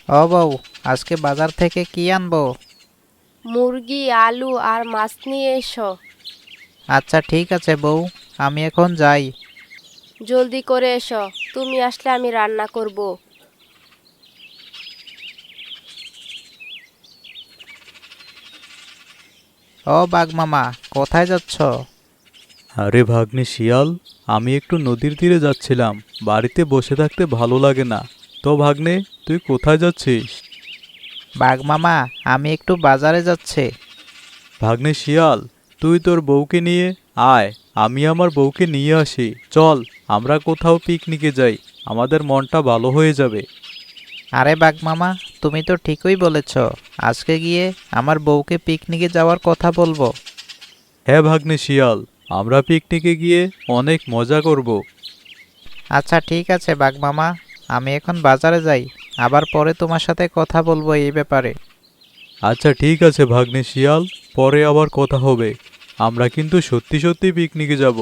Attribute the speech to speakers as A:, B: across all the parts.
A: ও বউ, আজকে বাজার থেকে কি আনবো?
B: মুরগি, আলু আর মাছ নিয়ে এসো।
A: আচ্ছা ঠিক আছে বউ, আমি এখন যাই।
B: জলদি করে এসো, তুমি আসলে আমি রান্না করব।
A: ও বাঘ মামা, কোথায় যাচ্ছ?
C: আরে ভাগ্নে শিয়াল, আমি একটু নদীর তীরে যাচ্ছিলাম। বাড়িতে বসে থাকতে ভালো লাগে না। তো ভাগ্নে, তুই কোথায় যাচ্ছিস?
A: বাঘ মামা, আমি একটু বাজারে যাচ্ছি।
C: ভাগ্নে শিয়াল, তুই তোর বউকে নিয়ে আয়। আমি আমার বউকে নিয়ে আসি। চল, আমরা কোথাও পিকনিকে যাই। আমাদের মনটা ভালো হয়ে যাবে।
A: আরে বাঘ মামা, তুমি তো ঠিকই বলেছ। আজকে গিয়ে আমার বউকে পিকনিকে যাওয়ার কথা বলবো।
C: হ্যাঁ ভাগ্নে শিয়াল, আমরা পিকনিকে গিয়ে অনেক মজা করব।
A: আচ্ছা ঠিক আছে বাঘ মামা, আমি এখন বাজারে যাই। আবার পরে তোমার সাথে কথা বলবো এই ব্যাপারে।
C: আচ্ছা ঠিক আছে ভাগ্নে শিয়াল, পরে আবার কথা হবে। আমরা কিন্তু সত্যি সত্যি পিকনিকে যাব।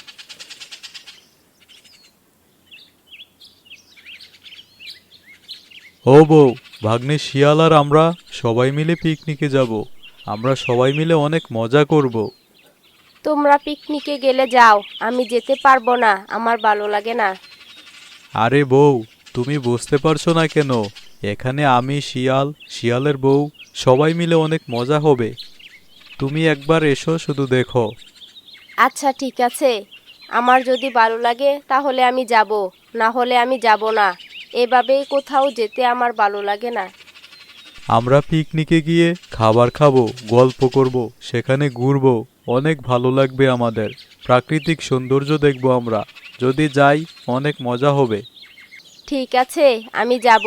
C: ও বউ, ভাগ্নে শিয়াল আর আমরা সবাই মিলে পিকনিকে যাব। আমরা সবাই মিলে অনেক মজা করব।
B: তোমরা পিকনিকে গেলে যাও, আমি যেতে পারবো না, আমার ভালো লাগে না।
C: আরে বউ, তুমি বুঝতে পারছো না কেন? এখানে আমি শিয়াল, শিয়ালের বউ, সবাই মিলে অনেক মজা হবে। তুমি একবার এসো, শুধু দেখো।
B: আচ্ছা ঠিক আছে, আমার যদি ভালো লাগে তাহলে আমি যাব, না হলে আমি যাব না। এভাবেই কোথাও যেতে আমার ভালো লাগে না।
C: আমরা পিকনিকে গিয়ে খাবার খাবো, গল্প করব, সেখানে ঘুরবো। অনেক ভালো লাগবে আমাদের। প্রাকৃতিক সৌন্দর্য দেখব আমরা। যদি যাই, অনেক মজা হবে।
B: ঠিক আছে, আমি যাব।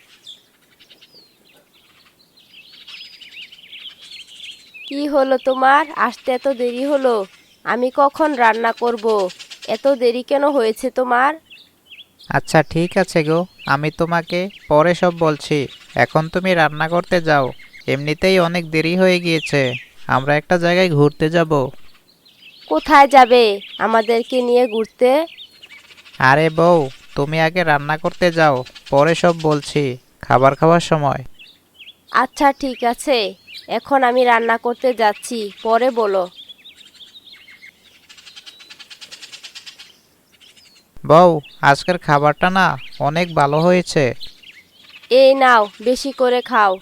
B: কি হলো তোমার, আসতে এত দেরি হলো? আমি কখন রান্না করব? এত দেরি কেন হয়েছে তোমার?
A: আচ্ছা ঠিক আছে গো, আমি তোমাকে পরে সব বলছি। এখন তুমি রান্না করতে যাও। এমনিতেই অনেক দেরি হয়ে গিয়েছে। আমরা একটা জায়গায় ঘুরতে যাব।
B: কোথায় যাবে আমাদেরকে নিয়ে ঘুরতে?
A: আরে বউ, তুমি আগে রান্না করতে যাও, পরে সব বলছি খাবার খাওয়ার সময়।
B: আচ্ছা ঠিক আছে, এখন আমি রান্না করতে যাচ্ছি, পরে বলো।
A: বউ, আজকের খাবারটা না অনেক ভালো হয়েছে।
B: এই নাও, বেশি করে খাও।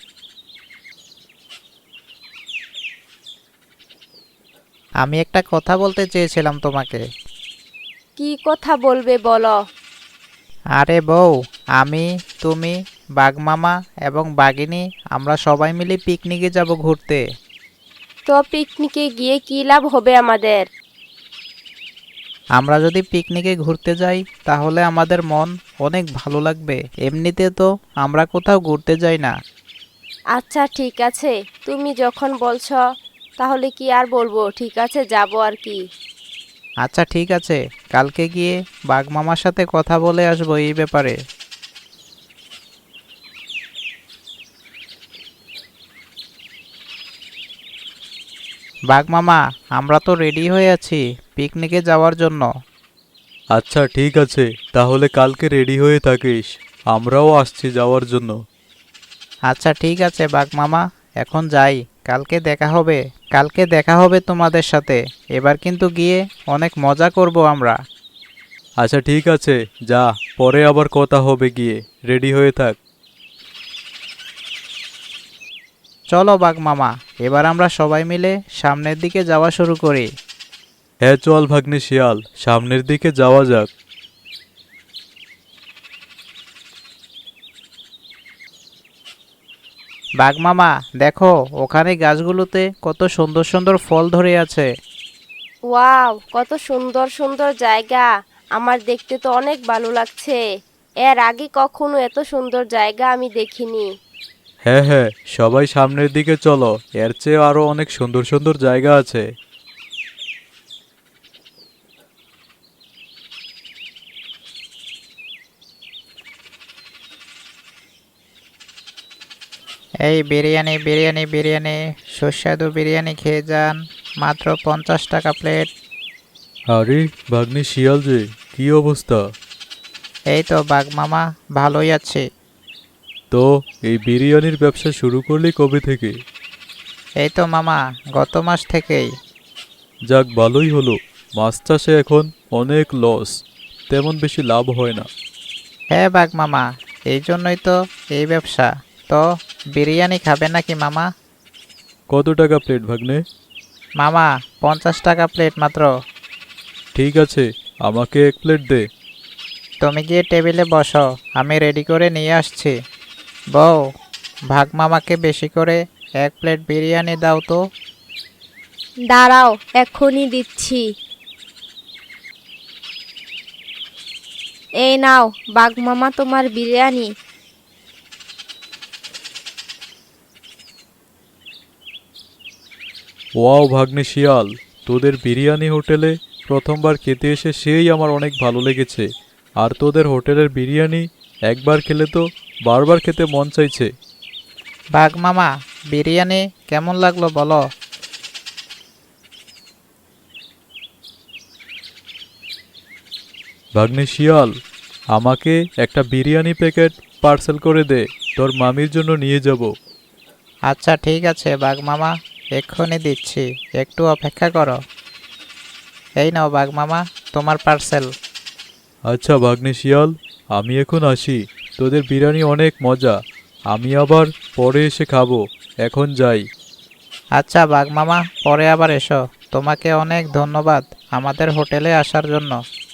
A: আমি একটা কথা বলতে চেয়েছিলাম তোমাকে।
B: কি কথা বলবে বলো।
A: আরে বউ, আমি, তুমি, বাঘমামা এবং বাঘিনী, আমরা সবাই মিলে পিকনিকে যাব ঘুরতে।
B: তো পিকনিকে গিয়ে কি লাভ হবে আমাদের?
A: আমরা যদি পিকনিকে ঘুরতে যাই তাহলে আমাদের মন অনেক ভালো লাগবে। এমনিতে তো আমরা কোথাও ঘুরতে যাই না।
B: আচ্ছা ঠিক আছে, তুমি যখন বলছো তাহলে কি আর বলবো, ঠিক আছে যাব আর কি।
A: আচ্ছা ঠিক আছে, কালকে গিয়ে বাঘমামার সাথে কথা বলে আসবো এই ব্যাপারে। বাঘমামা, আমরা তো রেডি হয়ে আছি পিকনিকে যাওয়ার জন্য।
C: আচ্ছা ঠিক আছে, তাহলে কালকে রেডি হয়ে থাকিস। আমরাও আসছি যাওয়ার জন্য।
A: আচ্ছা ঠিক আছে বাঘমামা, এখন যাই। কালকে দেখা হবে। কালকে দেখা হবে তোমাদের সাথে। এবার কিন্তু গিয়ে অনেক মজা করব আমরা।
C: আচ্ছা ঠিক আছে, যা, পরে আবার কথা হবে গিয়ে। রেডি হয়ে থাক।
A: চলো বাঘমামা, এবার আমরা সবাই মিলে সামনের দিকে যাওয়া শুরু করি।
C: হ্যাঁ চল ভাগ্নে শিয়াল, সামনের দিকে যাওয়া যাক।
A: বাঘমামা, দেখো ওখানে গাছগুলোতে কত সুন্দর সুন্দর ফল ধরে আছে।
B: ওয়াও, কত সুন্দর সুন্দর জায়গা! আমার দেখতে তো অনেক ভালো লাগছে। এর আগে কখনো এত সুন্দর জায়গা আমি দেখিনি।
C: হ্যাঁ হ্যাঁ, সবাই সামনের দিকে চলো। এর চেয়ে আরো অনেক সুন্দর সুন্দর জায়গা আছে।
A: এই বিরিয়ানি বিরিয়ানি বিরিয়ানি, সুস্বাদু বিরিয়ানি খেয়ে যান, মাত্র 50 টাকা প্লেট।
C: আরে ভাগ্নে শিয়াল যে, কি অবস্থা?
A: এই তো বাঘমামা, ভালোই আছে।
C: তো এই বিরিয়ানির ব্যবসা শুরু করলি কবে থেকে?
A: এই তো মামা, গত মাস থেকেই।
C: যাক, ভালোই হলো। মাছ চাষে এখন অনেক লস, তেমন বেশি লাভ হয় না।
A: হ্যাঁ বাঘ মামা, এই জন্যই তো এই ব্যবসা। তো বিরিয়ানি খাবে নাকি মামা?
C: কত টাকা প্লেট ভাগ্নে?
A: মামা, 50 টাকা প্লেট মাত্র।
C: ঠিক আছে, আমাকে এক প্লেট দে।
A: তুমি গিয়ে টেবিলে বসো, আমি রেডি করে নিয়ে আসছি। বউ, ভাগ মামাকে বেশি করে 1 প্লেট বিরিয়ানি দাও তো।
B: দাঁড়াও, এক্ষুনি দিচ্ছি। এই নাও বাঘ মামা, তোমার বিরিয়ানি।
C: ওয়াও ভাগ্নে শিয়াল, তোদের বিরিয়ানি হোটেলে প্রথমবার খেতে এসে সেই আমার অনেক ভালো লেগেছে। আর তোদের হোটেলের বিরিয়ানি একবার খেলে তো বারবার খেতে মন চাইছে।
A: ভাগ মামা, বিরিয়ানি কেমন লাগলো বলো?
C: ভাগ্নে শিয়াল, আমাকে একটা বিরিয়ানি প্যাকেট পার্সেল করে দে, তোর মামির জন্য নিয়ে যাব।
A: আচ্ছা ঠিক আছে বাঘ মামা, এক্ষুনি দিচ্ছি, একটু অপেক্ষা করো। এই নাও বাঘ মামা, তোমার পার্সেল।
C: আচ্ছা ভাগ্নে শিয়াল, আমি এখন আসি। তোদের বিরিয়ানি অনেক মজা, আমি আবার পরে এসে খাবো। এখন যাই।
A: আচ্ছা বাঘ মামা, পরে আবার এসো। তোমাকে অনেক ধন্যবাদ আমাদের হোটেলে আসার জন্য।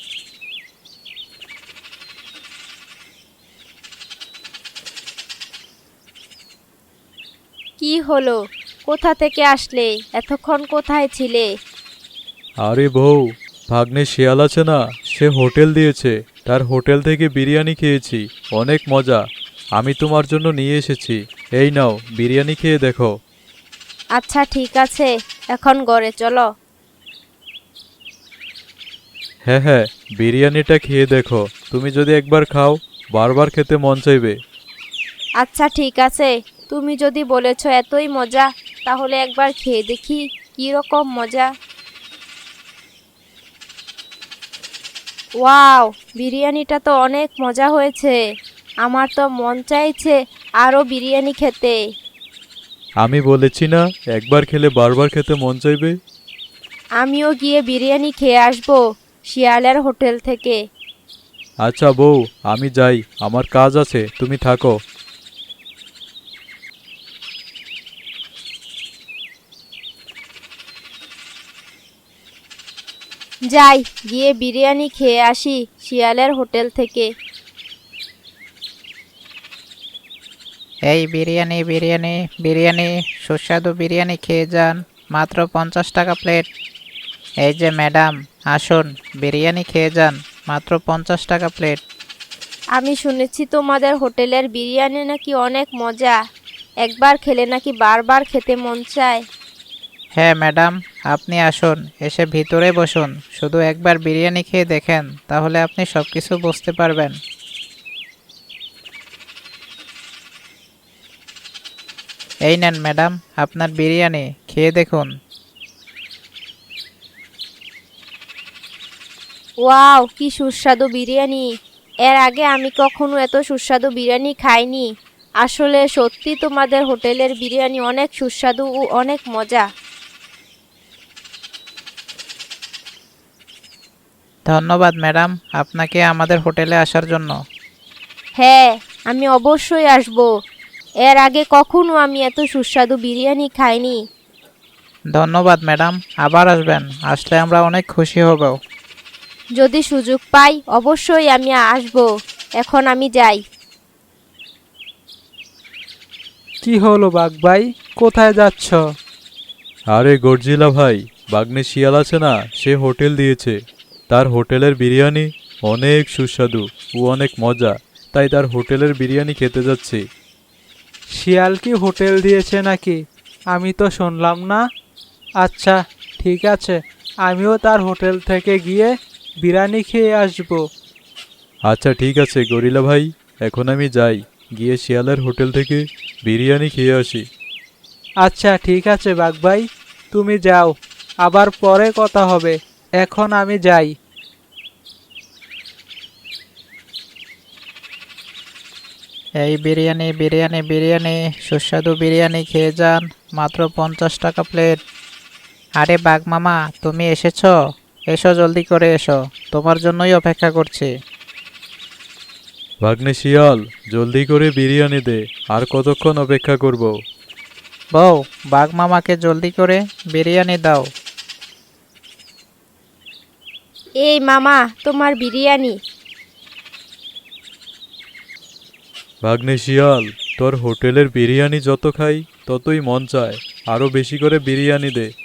B: কি হলো? কোথা থেকে আসলে? এতক্ষণ কোথায় ছিলে?
C: আরে বউ, ভাগ্নে শিয়াল আছে না, সে হোটেল দিয়েছে, তার হোটেল থেকে বিরিয়ানি খেয়েছি, অনেক মজা। আমি তোমার জন্য নিয়ে এসেছি। এই নাও, বিরিয়ানি খেয়ে দেখো।
B: আচ্ছা ঠিক আছে, এখন ঘরে চলো।
C: হ্যাঁ হ্যাঁ, বিরিয়ানিটা খেয়ে দেখো। তুমি যদি একবার খাও, বারবার খেতে মন চাইবে।
B: আচ্ছা ঠিক আছে, তুমি যদি বলেছো এতই মজা, তাহলে একবার খেয়ে দেখি কি রকম মজা। ওয়াও, বিরিয়ানিটা তো অনেক মজা হয়েছে। আমার তো মন চাইছে আরো বিরিয়ানি খেতে।
C: আমি বলেছি না, একবার খেলে বারবার খেতে মন চাইবে।
B: আমিও গিয়ে বিরিয়ানি খেয়ে আসবো শিয়ালের হোটেল থেকে।
C: আচ্ছা বউ, আমি যাই, আমার কাজ আছে, তুমি থাকো।
B: যাই, গিয়ে বিরিয়ানি খেয়ে আসি শিয়ালের হোটেল থেকে।
A: এই বিরিয়ানি বিরিয়ানি বিরিয়ানি, সুস্বাদু বিরিয়ানি খেয়ে যান, মাত্র 50 টাকা প্লেট। এই যে ম্যাডাম, আসুন বিরিয়ানি খেয়ে যান, মাত্র 50 টাকা প্লেট।
B: আমি শুনেছি তোমাদের হোটেলের বিরিয়ানি নাকি অনেক মজা, একবার খেলে নাকি বারবার খেতে মন চায়।
A: হ্যাঁ ম্যাডাম, আপনি আসুন, এসে ভিতরে বসুন, শুধু একবার বিরিয়ানি খেয়ে দেখেন, তাহলে আপনি সব কিছু বুঝতে পারবেন। এই নেন ম্যাডাম, আপনার বিরিয়ানি, খেয়ে দেখুন।
B: ওয়াও, কি সুস্বাদু বিরিয়ানি! এর আগে আমি কখনো এত সুস্বাদু বিরিয়ানি খাইনি। আসলে সত্যি তোমাদের হোটেলের বিরিয়ানি অনেক সুস্বাদু ও অনেক মজা।
A: ধন্যবাদ ম্যাডাম, আপনাকে আমাদের হোটেলে আসার জন্য।
B: হ্যাঁ, আমি অবশ্যই আসব। এর আগে কখনো আমি এত সুস্বাদু বিরিয়ানি খাইনি।
A: ধন্যবাদ ম্যাডাম, আবার আসবেন, আসলে আমরা অনেক খুশি হব।
B: যদি সুযোগ পাই অবশ্যই আমি আসব। এখন আমি যাই।
D: কি হলো বাঘ ভাই, কোথায় যাচ্ছ?
C: আরে গর্জিলা ভাই, ভাগ্নে শিয়াল আছে না, সে হোটেল দিয়েছে। তার হোটেলের বিরিয়ানি অনেক সুস্বাদু ও অনেক মজা, তাই তার হোটেলের বিরিয়ানি খেতে যাচ্ছি।
D: শিয়াল কি হোটেল দিয়েছে নাকি? আমি তো শুনলাম না। আচ্ছা ঠিক আছে, আমিও তার হোটেল থেকে গিয়ে বিরিয়ানি খেয়ে আসবো।
C: আচ্ছা ঠিক আছে গরিলা ভাই, এখন আমি যাই, গিয়ে শিয়ালের হোটেল থেকে বিরিয়ানি খেয়ে আসি।
D: আচ্ছা ঠিক আছে বাঘ ভাই, তুমি যাও, আবার পরে কথা হবে। এখন আমি যাই।
A: এই বিরিয়ানি বিরিয়ানি বিরিয়ানি সুস্বাদু বিরিয়ানি খেয়ে যান, মাত্র 50 টাকা প্লেট। আরে বাঘ মামা, তুমি এসেছো? এসো, জলদি করে এসো, তোমার জন্যই অপেক্ষা করছি।
C: ভাগ্নে শিয়াল, জলদি করে বিরিয়ানি দে, আর কতক্ষণ অপেক্ষা করব?
A: বউ, বাঘ মামাকে জলদি করে বিরিয়ানি দাও।
B: এই মামা, তোমার বিরিয়ানি।
C: ভাগ্নে শিয়াল, তোর হোটেলের বিরিয়ানি যত খাই ততই মন চায়, আরো বেশি করে বিরিয়ানি দে।